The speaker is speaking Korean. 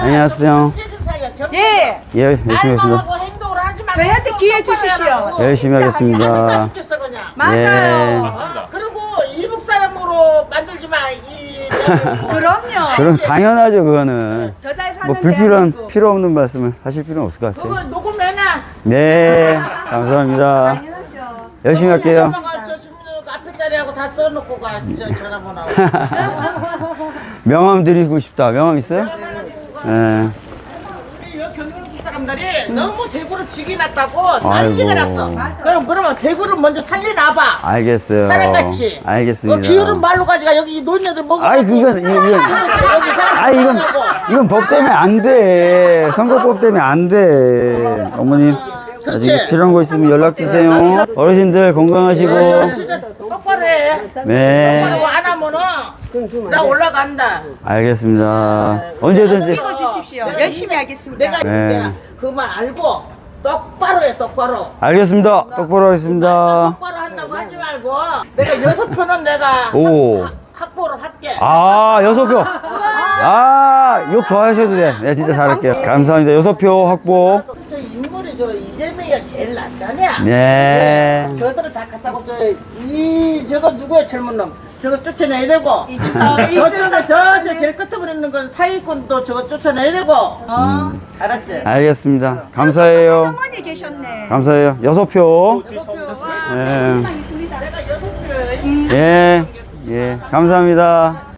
안녕하세요. 예. 예, 열심히 하겠습니다. 저희한테 기회 주십시오. 열심히 하겠습니다. 맞아요. 그리고 이북 사람으로 만들지 마. 그럼요. 그럼 당연하죠, 그거는. 더 잘 사는 뭐 불필요한, 대한민국. 필요 없는 말씀을 하실 필요는 없을 것 같아요. 그거 녹음해놔. 네, 감사합니다. 당연하죠. 열심히 할게요. 엄마가 저 지금 앞에 자리하고 다 써놓고 가. 저 전화번호. 명함 드리고 싶다. 명함 있어요? 네. 우리 여기 경상도 사람들이 너무 대구를 죽이놨다고 난리가 났어. 그러면 대구를 먼저 살려놔봐. 알겠어요. 사람같이. 알겠습니다. 기울은 말로 가지가 여기 이 노인네들 먹어. 아이, 이건, 여기 사람 아이, 이건 법 때문에 안 돼. 선거법 때문에 안 돼. 어머님, 나중에 필요한 거 있으면 연락 주세요. 어르신들 건강하시고. 진짜 똑바로 해. 네. 똑바로 안 하면은 나 올라간다. 알겠습니다. 언제든지. 찍어주십시오. 열심히 하겠습니다. 내가 네. 그만 알고 똑바로 해 똑바로. 알겠습니다. 똑바로 하겠습니다. 똑바로 한다고 하지 말고 내가 6표는 내가 오. 확보를 할게. 아, 6표. 아, 욕 더 하셔도 돼. 네, 진짜 잘할게요. 감사합니다. 6표 확보. 저 인물이 저 이재명이가 제일 낫잖아. 네. 저들은 다 갖다고 저거 누구야 젊은 놈. 저거 쫓아내야 되고. 이준석, 저쪽에 저 제일 끝에 있는 건 사기꾼도 저거 쫓아내야 되고. 알았지? 알겠습니다. 감사해요. 어머니 계셨네. 감사해요. 6표. 네. 내가 6표. 예. 예. 감사합니다.